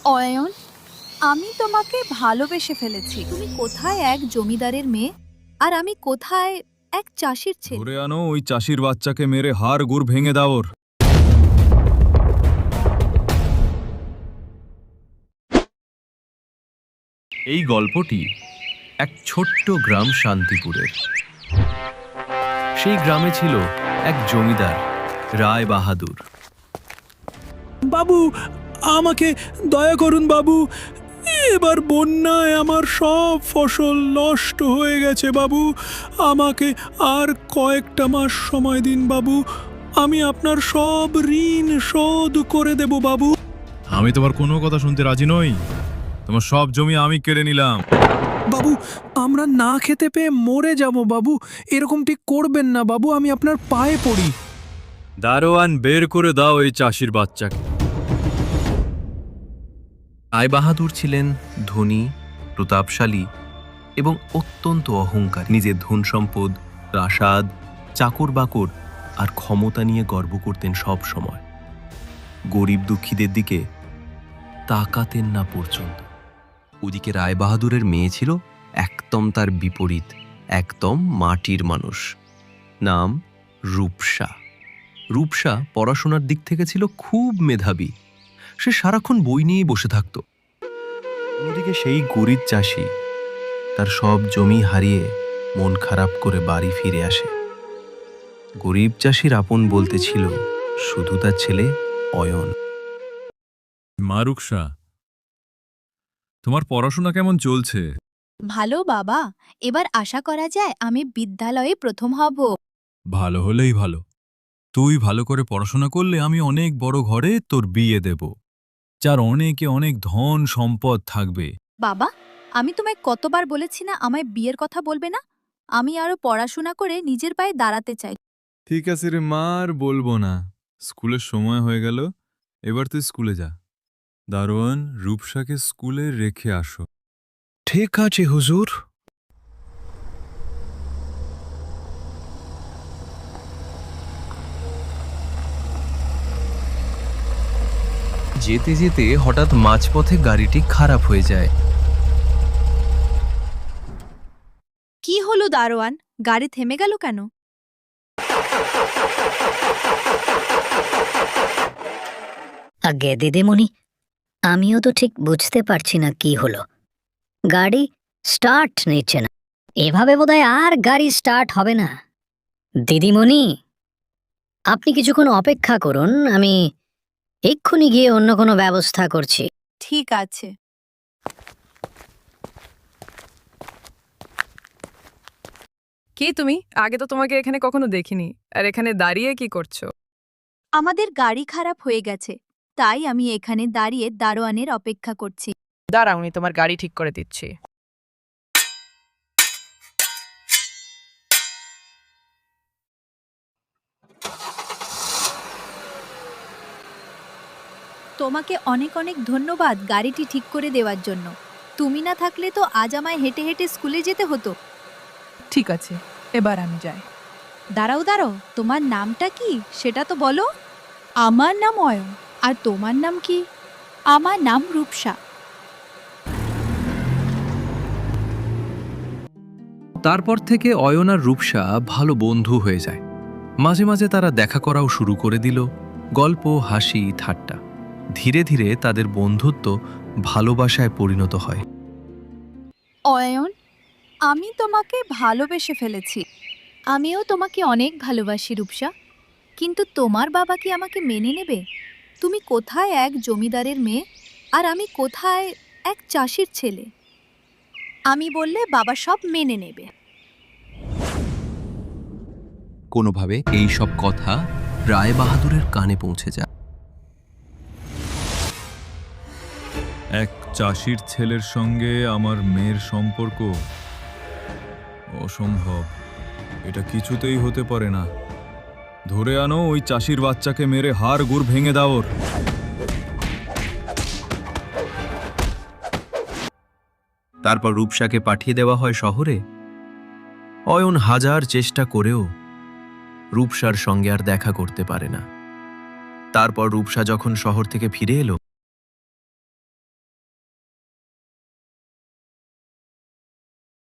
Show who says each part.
Speaker 1: অয়ন, আমি তোমাকে ভালোবেসে ফেলেছি। তুমি কোথায় এক জমিদারের মেয়ে, আর আমি কোথায় এক চাষির ছেলে।
Speaker 2: ধরে আনো ওই চাষির বাচ্চাকে, মেরে হাড় গুড় ভেঙে দাও ওর।
Speaker 3: এই গল্পটি এক ছোট্ট গ্রাম শান্তিপুরের। সেই গ্রামে ছিল এক জমিদার, রায় বাহাদুর।
Speaker 4: বাবু, আমাকে দয়া করুন বাবু। এবার বন্যায় আমার সব ফসল নষ্ট হয়ে গেছে বাবু। আমাকে আর কয়েকটা মাস সময় দিন বাবু। আমি আপনার সব ঋণ শোধ করে দেব বাবু।
Speaker 2: আমি তোমার কোনো কথা শুনতে রাজি নই। তোমার সব জমি আমি কেড়ে নিলাম।
Speaker 4: বাবু, আমরা না খেতে পেয়ে মরে যাব বাবু। এরকম ঠিক করবেন না বাবু, আমি আপনার পায়ে পড়ি।
Speaker 2: দারোয়ান, বের করে দাও এই চাষির বাচ্চাকে।
Speaker 3: রায় বাহাদুর ছিলেন ধনী, প্রতাপশালী এবং অত্যন্ত অহংকারী। নিজের ধন সম্পদ, প্রাসাদ, চাকর বাকর আর ক্ষমতা নিয়ে গর্ব করতেন সব সময়। গরিব দুঃখীদের দিকে তাকাতেন না পর্যন্ত। ওদিকে রায় বাহাদুরের মেয়ে ছিল একদম তার বিপরীত, একদম মাটির মানুষ। নাম রূপসা। রূপসা পড়াশোনার দিক থেকে ছিল খুব মেধাবী। সে সারাক্ষণ বই নিয়েই বসে থাকত। অন্যদিকে সেই গরিব চাষি তার সব জমি হারিয়ে মন খারাপ করে বাড়ি ফিরে আসে। গরিব চাষির আপন বলতে ছিল শুধু তার ছেলে অয়ন।
Speaker 2: মারুকসা, তোমার পড়াশোনা কেমন চলছে?
Speaker 1: ভালো বাবা, এবার আশা করা যায় আমি বিদ্যালয়ে প্রথম হব।
Speaker 2: ভালো হলেই ভালো। তুই ভালো করে পড়াশোনা করলে আমি অনেক বড় ঘরে তোর বিয়ে দেব, যার অনেকে অনেক ধন সম্পদ থাকবে।
Speaker 1: বাবা, আমি তোমায় কতবার বলেছি না আমায় বিয়ের কথা বলবে না। আমি আরো পড়াশোনা করে নিজের পায়ে দাঁড়াতে চাই।
Speaker 2: ঠিক আছে রে মা, আর বলবো না। স্কুলের সময় হয়ে গেল, এবার তুই স্কুলে যা। দারোয়ান, রূপসাকে স্কুলে রেখে আসো।
Speaker 4: ঠিক আছে হুজুর।
Speaker 3: যেতে যেতে হঠাৎ মাঝপথে গাড়িটি খারাপ হয়ে যায়।
Speaker 1: কি হলো দারোয়ান, গাড়ি থেমে গেল কেন?
Speaker 5: আগে দিদিমণি, আমিও তো ঠিক বুঝতে পারছি না কি হলো। গাড়ি স্টার্ট নিচ্ছে না। এভাবে বোধহয় আর গাড়ি স্টার্ট হবে না। দিদিমণি, আপনি কিছুক্ষণ অপেক্ষা করুন, আমি এক্ষুনি গিয়ে অন্য কোনো ব্যবস্থা করছি।
Speaker 1: ঠিক আছে।
Speaker 6: কে তুমি? আগে তো তোমাকে এখানে কখনো দেখিনি। আর এখানে দাঁড়িয়ে কি করছো?
Speaker 1: আমাদের গাড়ি খারাপ হয়ে গেছে, তাই আমি এখানে দাঁড়িয়ে দারোয়ানের অপেক্ষা করছি।
Speaker 6: দাঁড়াও, আমি তোমার গাড়ি ঠিক করে দিচ্ছি।
Speaker 1: তোমাকে অনেক অনেক ধন্যবাদ গাড়িটি ঠিক করে দেওয়ার জন্য। তুমি না থাকলে তো আজ আমায় হেঁটে হেঁটে স্কুলে যেতে হতো।
Speaker 6: ঠিক আছে, এবার আমি যাই।
Speaker 1: দাঁড়াও দাঁড়াও, তোমার নামটা কি সেটা তো বলো। আমার নাম অয়ন, আর তোমার নাম কি? আমার নাম রূপসা।
Speaker 3: তারপর থেকে অয়ন আর রূপসা ভালো বন্ধু হয়ে যায়। মাঝে মাঝে তারা দেখা করাও শুরু করে দিল। গল্প, হাসি, ঠাট্টা। ধীরে ধীরে তাদের বন্ধুত্ব ভালোবাসায় পরিণত হয়।
Speaker 1: অয়ন, আমি তোমাকে ভালোবেসে ফেলেছি। আমিও তোমাকে অনেক ভালোবাসি রূপসা, কিন্তু তোমার বাবা কি আমাকে মেনে নেবে? তুমি কোথায় এক জমিদারের মেয়ে, আর আমি কোথায় এক চাষির ছেলে। আমি বললে বাবা সব মেনে নেবে।
Speaker 3: কোনোভাবে এই সব কথা রায় বাহাদুরের কানে পৌঁছে যায়।
Speaker 2: এক চাষির ছেলের সঙ্গে আমার মেয়ের সম্পর্ক অসম্ভব। এটা কিছুতেই হতে পারে না। ধরে আনো ওই চাষির বাচ্চাকে, মেরে হাড় গুড় ভেঙে দাও ওর।
Speaker 3: তারপর রূপসাকে পাঠিয়ে দেওয়া হয় শহরে। অয়ন হাজার চেষ্টা করেও রূপসার সঙ্গে আর দেখা করতে পারে না। তারপর রূপসা যখন শহর থেকে ফিরে এলো,